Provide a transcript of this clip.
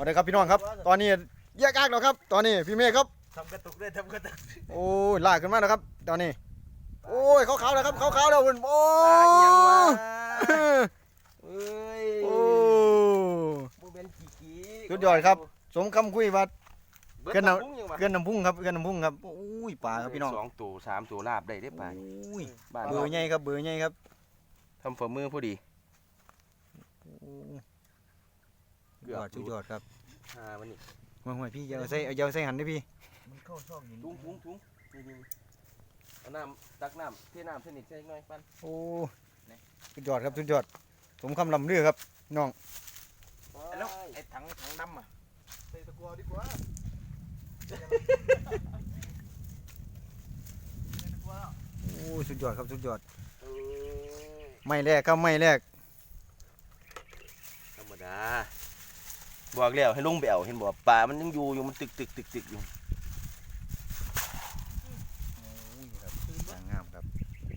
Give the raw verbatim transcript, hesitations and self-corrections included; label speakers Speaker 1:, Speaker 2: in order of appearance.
Speaker 1: เอาเลยครับพี่น้องครับตอนนี้แยกอากแล้วครับตอนนี้พี่เมฆครับ
Speaker 2: ทำกระตุกเลยทำกระตุก
Speaker 1: โอ้ยลากขึ้นมาแล้วครับตอนนี้โอ้ยขาวๆแล้วครับขาวๆแล้วคุณโอ้ย
Speaker 2: เอ้ย
Speaker 1: โอ้
Speaker 2: โมเมนต์ขี้ๆ
Speaker 1: สุดยอดครับสมคำคุยว่าเกินน้ำ
Speaker 2: เกิน
Speaker 1: เกินน้ำพุ่งครับเกินน้ำพุ่งครับโอ้ยปลาครับพี่น้อง
Speaker 2: สองตัวสามตัวลาบได้ได้ปลา
Speaker 1: โอ้ย
Speaker 2: บ้าน
Speaker 1: เบอร์ใหญ่ครับเบอร์ใหญ่ครับ
Speaker 2: ทำฝ่ามือพอดี
Speaker 1: ยอดสุดยอดครับ
Speaker 2: อ่ามันนี่
Speaker 1: มาห่วยพี่อย่าเอาใส่อย่าเอาใส่หันด้วยพี่
Speaker 2: มันเข้าช่องถุงถุงถุงนี่นี่เอาน้ำตักน้ำเทน้ำเทนิดใส่หน่อยปั้น
Speaker 1: โอ้สุดยอดครับสุดยอดสมคำลำเรือครับน้อง
Speaker 2: แล้วไอ้ถังถังดำอ่ะใส่ตะกัวดีกว่า
Speaker 1: โอ้สุดยอดครับสุดยอดไม่แรกครับไม่แรก
Speaker 2: ธรรมดาบอกแล้วให้ลงไปเอาเห็นบอกปลามันยังอยู่อยู่มันตึกตึกตึกตึกอยู่